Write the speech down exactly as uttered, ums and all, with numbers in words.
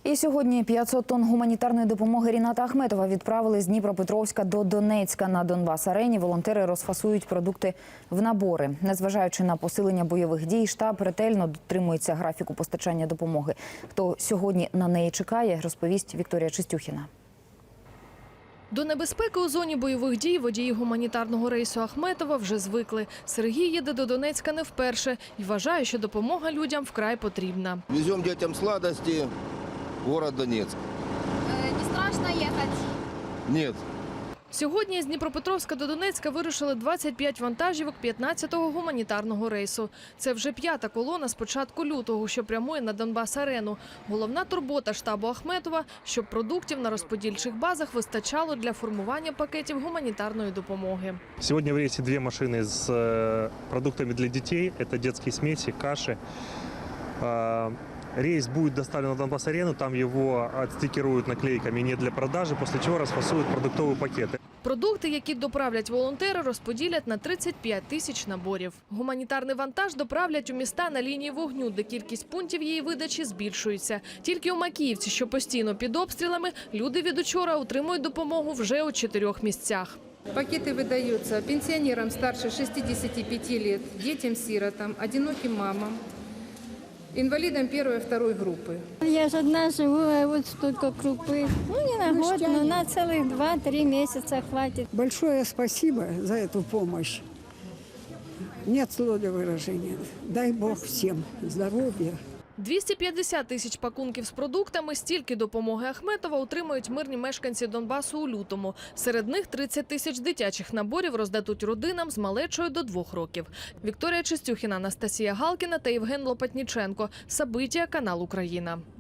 І сьогодні п'ятсот тонн гуманітарної допомоги Ріната Ахметова відправили з Дніпропетровська до Донецька. На Донбас-арені волонтери розфасують продукти в набори. Незважаючи на посилення бойових дій, штаб ретельно дотримується графіку постачання допомоги. Хто сьогодні на неї чекає, розповість Вікторія Чистюхіна. До небезпеки у зоні бойових дій водії гуманітарного рейсу Ахметова вже звикли. Сергій їде до Донецька не вперше і вважає, що допомога людям вкрай потрібна. Веземо дітям сладості в город Донецьк. Не страшно їхати? Ні. Сьогодні з Дніпропетровська до Донецька вирушили двадцять п'ять вантажівок п'ятнадцятого гуманітарного рейсу. Це вже п'ята колона з початку лютого, що прямує на Донбас-арену. Головна турбота штабу Ахметова – щоб продуктів на розподільчих базах вистачало для формування пакетів гуманітарної допомоги. Сьогодні в рейсі дві машини з продуктами для дітей. Це дитячі смесі, каші. Рейс будет доставлен на Донбас-арену, там его отстикируют наклейками «не для продажи», после чего расфасуют продуктовые пакеты. Продукти, які доправлять волонтери, розподілять на тридцять п'ять тисяч наборів. Гуманітарний вантаж доправлять у міста на лінії вогню, де кількість пунктів її видачі збільшується. Тільки у Макіївці, що постійно під обстрілами, люди від учора отримують допомогу вже у чотирьох місцях. Пакеты выдаются пенсионерам старше шестидесяти пяти лет, детям-сиротам, одиноким мамам, инвалидам первой и второй группы. Я же одна живу, а вот столько крупы. Ну, не на год, но на целых два-три месяца хватит. Большое спасибо за эту помощь. Нет слов для выражения. Дай Бог всем здоровья. двісті п'ятдесят тисяч пакунків з продуктами, стільки допомоги Ахметова отримають мирні мешканці Донбасу у лютому. Серед них тридцять тисяч дитячих наборів роздадуть родинам з малечою до двох років. Вікторія Чистюхіна, Анастасія Галкіна та Євген Лопатніченко. Сабиття, канал Україна.